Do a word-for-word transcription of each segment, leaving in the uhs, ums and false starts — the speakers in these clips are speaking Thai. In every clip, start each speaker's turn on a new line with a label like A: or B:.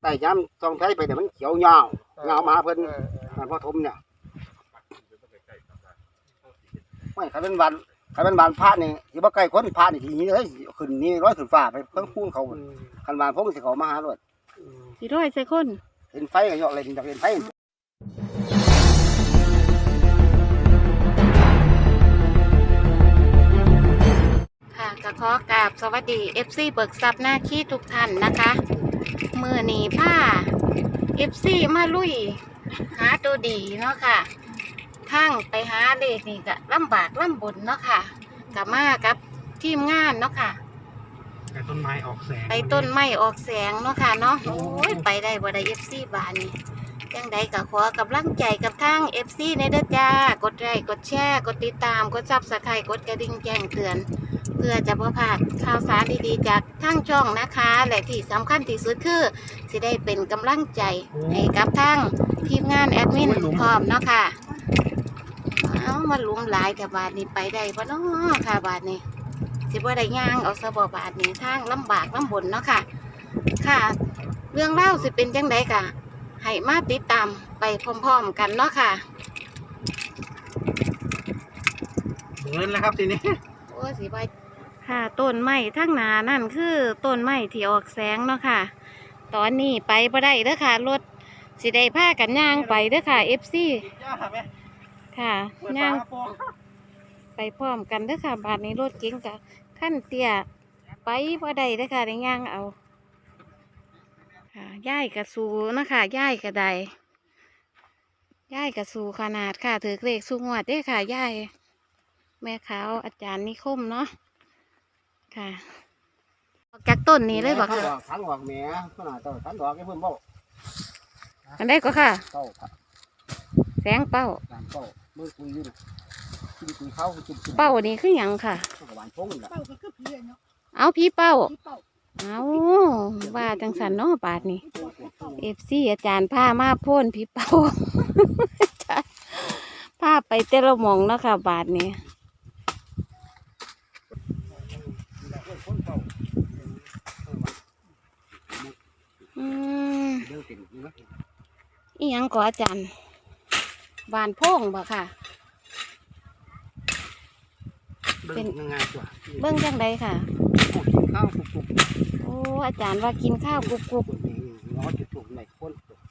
A: ไต่ย้ำซองไทยไปเนี่ยมันเขียวเงาเงามาเพิ่นมันพ่อทมเนี่ยไม่ขันเป็นวันขันเป็นวันพระนี่ที่ว่าใกล้คนพระนี่ทีนี้เลยขึ้นนี่ร้อยขึ้นฟ้าไปเพิ่งพูนเขาขันวันพงสิเขามาหาด้วย
B: สี่ร้อยใส่คน
A: เห็นไฟกันเยอะเลยอยากเห็นไฟ
B: ค่ะก็ขอกราบสวัสดี เอฟ ซี เบิกทรัพย์หน้าขี้ทุกท่านนะคะมือหนีผ้า เอฟ ซี มาลุยหาตัวดีเนาะค่ะทั้งไปหาเลขนี่ก็ลำบากลำบนเนาะค่ะกับมากับทีมงานเนาะค่ะ
C: ไปต้นไม้ออกแสง
B: ไปต้นไม้ออกแสงเนาะค่ะเนาะโอ้ยไปได้บ่ได้ เอฟ ซี บานนี่ยังใดก็ขอกำลังใจกับทาง เอฟ ซี ในเด้อจ้ากดไลค์กดแชร์กดติดตามกดซับสไครต์กดกระดิ่งแจ้งเตือนเพื่อจะบ่พลาดข่าวสารดีๆจากทางช่องนะคะและที่สำคัญที่สุดคือสิได้เป็นกำลังใจให้กับทางทีมงานแอดมินพร้อมเนาะค่ะเอามาหลุมหลายแต่บาทนี้ไปได้บ่เนาะค่ะบาทนี้สิบ่ได้ย่างเอาซะบ่บาทนี้ทางลำบากลำบนเนาะค่ะค่ะเรื่องเล่าสิเป็นจังไดกะให้มาติดตามไปพร้อมๆกันเนาะค่ะ
C: เดินแล้วครับทีนี้
B: โอ้สิไปค่ะต้นไม้ทั้งหนานั่นคือต้นไม้ที่ออกแสงเนาะค่ะตอนนี้ไปบ่ได้เด้อค่ะรถสิได้พากันย่างไปเด้อค่ะ เอฟ ซี ค่ะย่างไปพร้อมกันเด้อค่ะบาดนี้รถเก๋งกับขั้นเตี้ยไปบ่ได้เด้อค่ะได้ย่างเอาค่ะย่ายกระสูนะคะย่ายกระไดย่ายกระสูขนาดค่ะถือเลขสูงวัดเด้อค่ะย่ายแม่ขาวอาจารย์นิคมเนาะค่ะจากต้นนี้เลยบอกค่ะ
A: ขันดอกแหม่ขนาดต้นขันดอกไอ้เพิ่มเป้า
B: อันได้ก็ค่ะ
A: เป้าค่ะ
B: แสงเป้า
A: เป้าเมื่อคุยอยู่นะคุยคุยเข้า
B: เป้านี่คือหยังค่ะเอาพี่เป้าเอาว่าจังสันเนาะบาทนี่เอฟซีอาจารย์ผ้ามาพ่นพี่เป้าผ้าไปเตะละมองเนาะค่ะบาทนี้อืมอีหยังก่ออาจารย์บานโพ่งบ่ค่ะ
A: เป็นยังไงตัว
B: เบิ้งจังใดค่ะ
A: ข้าวกุบ
B: โอ้อาจารย์ว่ากินข้าวกุบกุบ
A: ร้อนจุดถูกไหนคน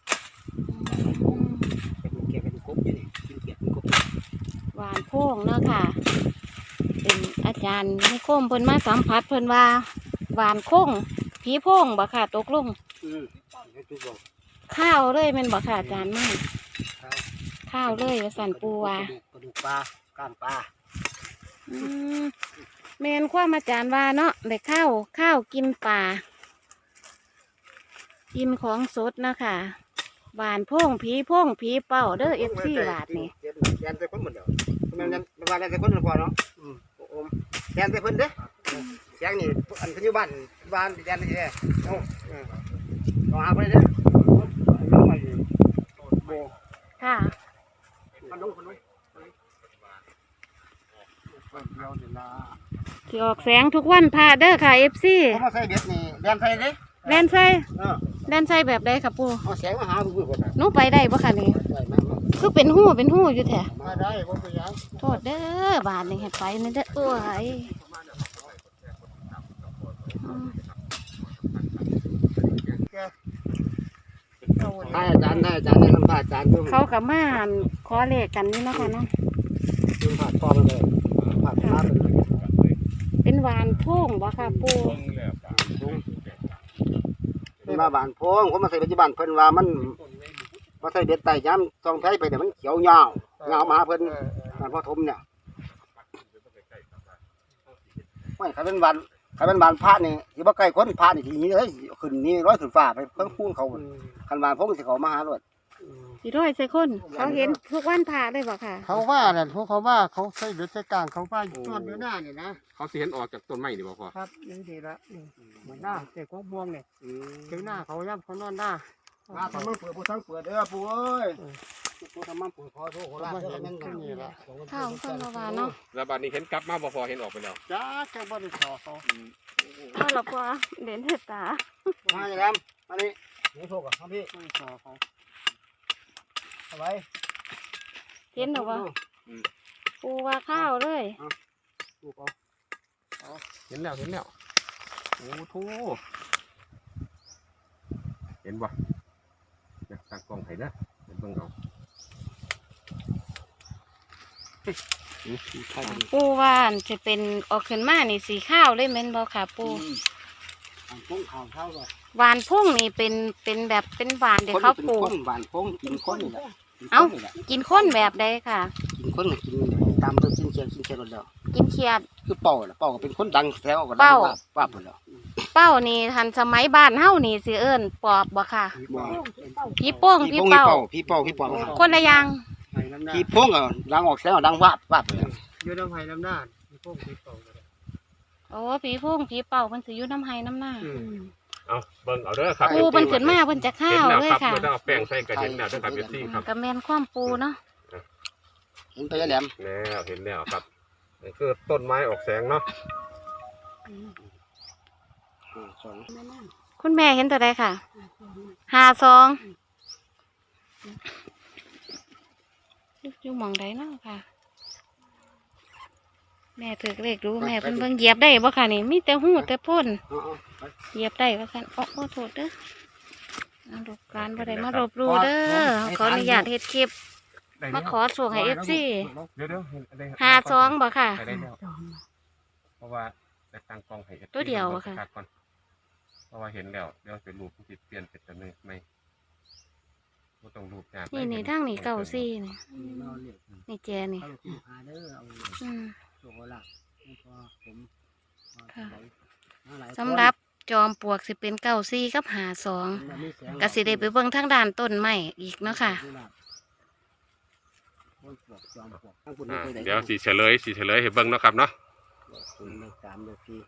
A: เป็นเกียร์เป็นกบอยู่นี่กินเกียร์เป็นกบ
B: หวานโพ่งเนาะค่ะเป็นอาจารย์นิคมเพิ่นมาสัมผัสเพิ่นว่าหวานโค้งผีโพ่งบ่ค่ะตกลงข้าวเลยเป็นบ่ค่ะอาจารย์มั่งข้าวเลยสั่นปูว่าก
A: ระดูกปลาก้างปลา
B: อืมแมนความอาจารย์ว่าเนาะได้ข้าวข้าวกินปลากินของสดนะคะหวานโพ่งผีโพ่งผีเป่าเด้อเอฟซีบาทนี่
A: แกนใส่คนเหมือนเดิมมันมันว่าแกนใส่คนเหมือนพอเนาะอมแกนใส่คนเด้อแกงนี่อันขึ้นอยู่บ้านบ้านแกนนี่แหละเอาเอาหาไปเด้อ
B: ค่ะที่ออกแสงทุกวันพาเด้อค่ะเอฟซี
A: มาใส่เบ็ดนี่แดนใส่เด้
B: แดนใส่แดนใส่แบบใดค่ะปู
A: เอาแสงมาหาดูก่อน
B: หนูไปได้ปะค่ะนี่คือเป็นหู้เป็นหู้อยู่แท้
A: มาได้บ่ไปยัง
B: โทษเด้อบาทนี่เห็ดไปนี่เด้อโอ้ย
A: ได้อาจารย์ได้อาจารย์ได้ทำผ่าอาจารย์
B: เขากับม่านขอเลขกันนี่นะคะเนาะ
A: ทำผ่าคอมาเลยผ่าผ่า
B: เป็นหวานโพ่งบ่ค่ะปู
A: เป็นมาบานโพงผมมาใส่ปัจจุบันเพิ่นว่ามันมาใส่เบ็ดไต่ย้ำซองไทยไปเนี่ยมันเขียวเงาเงามาเพิ่นมันพ่อทมเนี่ยไม่ขันเป็นวันขันเป็นวันพระนี่ที่ว่าใกล้คนพระนี่ทีนี้เลยขึ้นนี่ร้อยขึ้นฟ้าไปเพิ่งพูนเขาขันวันพงสิเขามาหาด้วย
B: สี่ร้อยใส่คนเขาเห็นทุกวันพระได้บ่ค่ะ
A: เขาว่าเนี่ยพวกเขาว่าเขาใส่เบ็ดใส่กลางเขาว่าต้นเดือนหน้าเนี่ยนะ
C: เขาสิเห็นออกจากต้นไม้ดีบ่พอ
A: ครับนี่ดีละเหมือนหน้าเด็กของบวงเนี่ยเจ้าหน้าเขาย่ำเขานอนหน้าหน้าทำมันเปิดปูทั้งเปิดเด้อปูเอ้ยปูทำมันเปิดพอโทษโคราชเด้อนั่นนี่ละ
B: ข้าวข้าววานเนาะ
C: แล้วบัดนี้เห็นกลับมาบ่พอเห็นออกไปแล้ว
A: จ้าแค่บ่ได้ขอเขา
B: ก็หลับว่าเด่นเห็ดตา
A: มาอย่างนั้นมานี่นี่โชคอ่ะครับพี่ขอเขาเอาไว้
B: เห็นหรอวะปูว่าข้าวเลย
A: ลูกเอา
C: เห็นแล้วเห็นแล้วโอ้โหเห็นบ่เนี่ยตั้งกล้องให้นะเห็นเบิ่งเอาอืมใช่ดิ
B: ปูว่าอันจะเป็นออกขึ้นมานี่สีข้าวเลยแม่นบ่ค่ะปู
A: อันพุ่งข่าวเท่าเลย
B: หวานพุ่งนี่เป็นเป็นแบบเป็นหวานเดี๋ยวเขาปลูก
A: หวานพุ่งกินข้นนี่แหละ
B: เอ้า กินข้นแบบใดค่ะ
A: กินข้นกินตามเพิ่มกินเชียร์กินเชียร์หมดแล้ว
B: กินเขียด
A: คือเป่าล่ะเป่าก็เป็นคนดังแถวก็ดัง
B: เป่า
A: ว่าว่าหมดแล้ว
B: เป้านี่ทันสมัยบ้านเฮานี่สิเอิ้นปอบบ่ค่ะ
A: บ่
B: พี่โป้ง
A: พี่
B: พี่
A: โป้ง
B: เป้า
A: พี่เป่าพี่เป่า
B: คนละอย่าง
A: พี่โป้งก็ดังออกแถวดังวาบวาบเลย
C: อยู่น้ำไผ่น้ำหน้าพี่พวกพี่เป่า
B: โอ้พี่โป้งพี่เป้าเพิ่นสิอยู่น้ำไห้น้ำหน้า
C: เอาเบิ่งเอาเด้อครับ
B: ปูเพิ่นขึ้นมาเพิ่นจะข้าว
C: เห็น
B: เล
C: แล้ว
B: ย
C: ครับ
B: ค่ะ
C: เมื่อได้เอาแป้งใส่กระเห็นแล้วเด้อครับเอฟซีครับ
B: ก็แม่นความปูเนาะ
A: เห็นไปแล้วแหลม
C: แล้วเห็นแล้วครับนี่คือต้นไม้ออกแสงเนาะ
A: สอง
B: คุณแม่เห็นตัวใดค่ะห้าสองอยู่หม่องใดเนาะค่ะ แม่ถือเลขรู้แม่เพิ่นเบิ่งเหยียบได้บ่ค่ะนี่มีแต่หูแต่พ่น
A: เอาเอาไป
B: เหยียบได้ว่าซั่นโอ้โอ้โทษเด้อเอาลูกการบ่ได้มารบรูเด้อขออนุญาตเฮ็ดคลิปมาขอส่งให้ เอฟ ซี
C: เดี๋ยวเดี๋ยวเห็นอะไร
B: ห้าสองบ่ค่ะ
C: ได้แล้วเพราะว่าได้ตั้งกล้องให้
B: ตัวเดียวอะค่ะ
C: ก่อนเพราะว่าเห็นแล้วเดี๋ยวเป็นรูปที่เปลี่ยนเป็นตัวนึงไม่บ่ต้องรูปยาก
B: นี่นี่ทางนี้เก้าซี่นี่
A: เอาเรียก
B: นี่แจนี่
A: เอาลูกหาเด้อเอา
B: อืม
A: โชคเอาลาภให้พอผม
B: ค่ะ
A: เอาหลายคน
B: สำหรับจอมปลวกสิเป็นเก้าซี่กับหาสองก็สิได้ไปเบิ่งทางด้านต้นไม้อีกเนาะค่ะ
C: อ่าเดี๋ยวสีเฉลยสีเฉลยให้เบิ่งเนาะครับเนาะ
A: ศูนย์เลขสามเลขสี่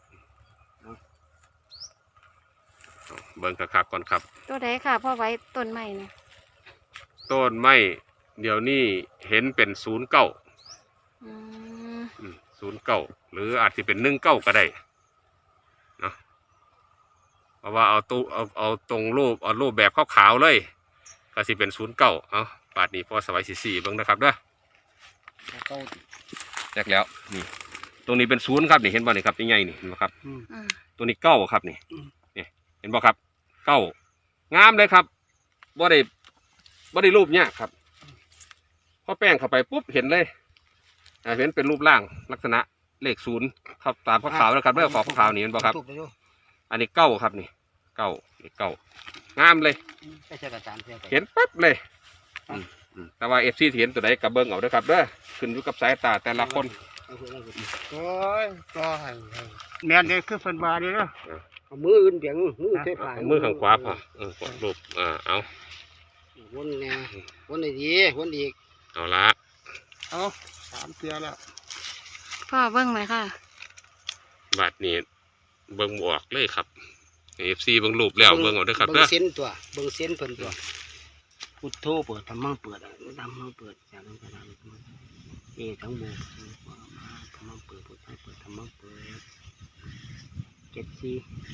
C: เบิ่งคักๆก่อนครับ
B: ตัวใดค่ะพ่อไว้ต้นไม้นะ
C: ต้นไม้เดี๋ยวนี้เห็นเป็นศูนย์เก้า
B: อืม
C: ศูนย์เก้าหรืออาจจะเป็นหนึ่งเก้าก็ได้เนาะเพราะว่าเอาตู้เอาเอาตรงรูปเอารูปแบบขาวๆเลย ก็สิเป็นศูนย์เก้าเอาปาดนี้พอสบายสี่สี่เบิ่งนะครับเด้อ
A: เก้า
C: แยกแล้วนี่ตรงนี้เป็นศูนย์ครับนี่เห็นบ่นี่ครับนี่ไงนี่เห็นบ่ครับ
B: อืม
C: ตัวนี้เก้าครับนี่นี่เห็นบ่ครับเก้างามเลยครับบ่ได้บ่ได้รูปยากครับพอแป้งเข้าไปปุ๊บเห็นเลยอ่าเห็นเป็นรูปร่างลักษณะเลขศูนย์ครับตามขาวๆนะครับเรื่องของขาวๆนี่เห็นบ่ครับ อันนี้เก้าครับนี่เก้านี่เก้างามเลย
A: ไม่ใช่กระจานเพียง
C: เห็นปั๊บเลยอืมอืมแต่ว่าเอฟซีเห็นตัวไหนกับเบิ้งเอาเด้อครับเด้อขึ้นอยู่กับสายตาแต่ละคน
A: โอ้ยก็ให้แม่นเลยคือเพิ่นว่านี่เนาะเอามืออื่นเบียงมือใช้ผ่า
C: เอามือข้างขวาพอเออกดรูปอ่าเอา
A: วนแน่วนได้ดีวนอีก
C: เอาละ
A: เอาสามเทื่อแล้ว
B: พ่อเบิ่งไหมค่ะ
C: บัดนี้เบิ้งบวกเลยครับเอฟซีเบิ้งรูปแล้วเบิ้งเอาเด้อครับ
A: เบิ่
C: เด้
A: ง
C: อ
A: เส้นตัวเบิ่งเส้นเพิ่นตัวพุทโธเปิดธรรมังเปิดธรรมังเปิดจากนั้นไปทางเอทั้งหมดธรรมังเปิดพุทโธเปิดธรรมังเปิดเจ็ดสี่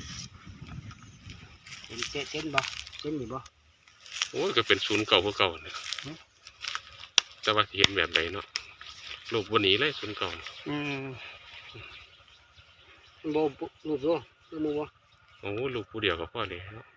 A: เห็นเส้นเส้นบ่เส้นนี่บ่
C: โอ้ยก็เป็นศูนย์เก่าพวกเก่าเนี่ยแต่ว่าสิเห็นแบบไหนเนาะรูปวันนี้เลยศูนย์เก่า
A: อืมบ่รูปบ่รูปบ่
C: โอ้รูปผู้เดียวกับพ่อเลยเนาะ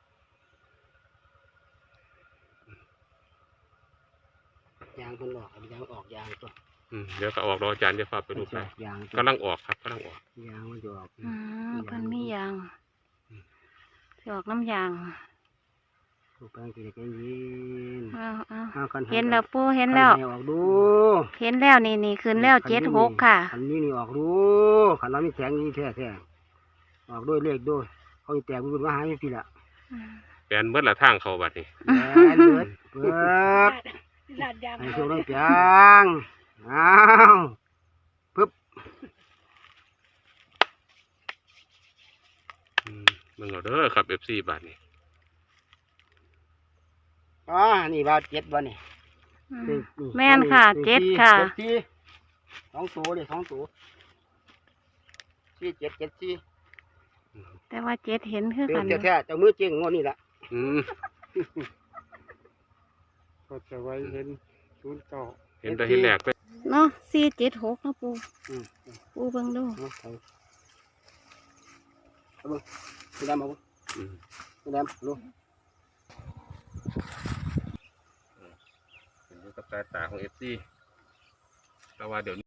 A: ยางเพิ่นออกยางออกยางตัว
C: อืมเดี๋ยวก็ออกรออาจารย์จะพาไปรูปไป
A: ยาง
C: กำลังออกครับกำลังออก
A: ยางมันจะออก
B: อืมเพิ่นมียางสิออกน้ำยาง
A: ถูกแปลงสิได้ใจเย็น
B: เอาเอา
A: เอาคัน
B: เห็นแล้วปูเห็นแล้ว
A: คัให้ออกดู
B: เห็นแล้วนี่นี่ขึ้นแล้วเจ็ดหกค่ะ
A: คันนี้นี่ออกดูคันเรามีแสงนี่แท้แท้ออกด้วยเลขด้วยเขาสิแตกมันมาหาอยู่พี่ละ
C: แปลนเมื่อละทางเขาบัดนี้
A: แอนเบิดเบิดให้โชคได้เปียงอ้าวปึ๊บ
C: อืมมึงเอาเด้อครับเอฟซีบัดนี้
A: อ๋อนี่บาทเจ็ดบ่นี่
B: อืม
A: นี่นี่
B: แม่นค่ะ
A: นี่
B: เจ็ดค่ะ
A: เจ็ดสี่สองตัวเลยสองตัวสี่เจ็ดเจ็ดสี่
B: แต่ว่าเจ็ดเห็นคือ
A: เป็
B: กัน น
A: แท้ๆเจ้ามือเจ๊งงวดนี่ละ
C: อืม
A: ก็จะไว้เห็นศูนย์เก้า
C: เห็นแต่เห็นแหลกไป
B: เนาะสี่เจ็ดหกเนาะปู
A: อืม
B: ปูเบิ่งดู
A: เอาไปเอาเบิ่งพี่ดำเอาเบิ่ง
C: อืม
A: พี่ดำดู
C: เห็นอยู่กับสายตาของเอฟซีแต่ว่าเดี๋ยวนี้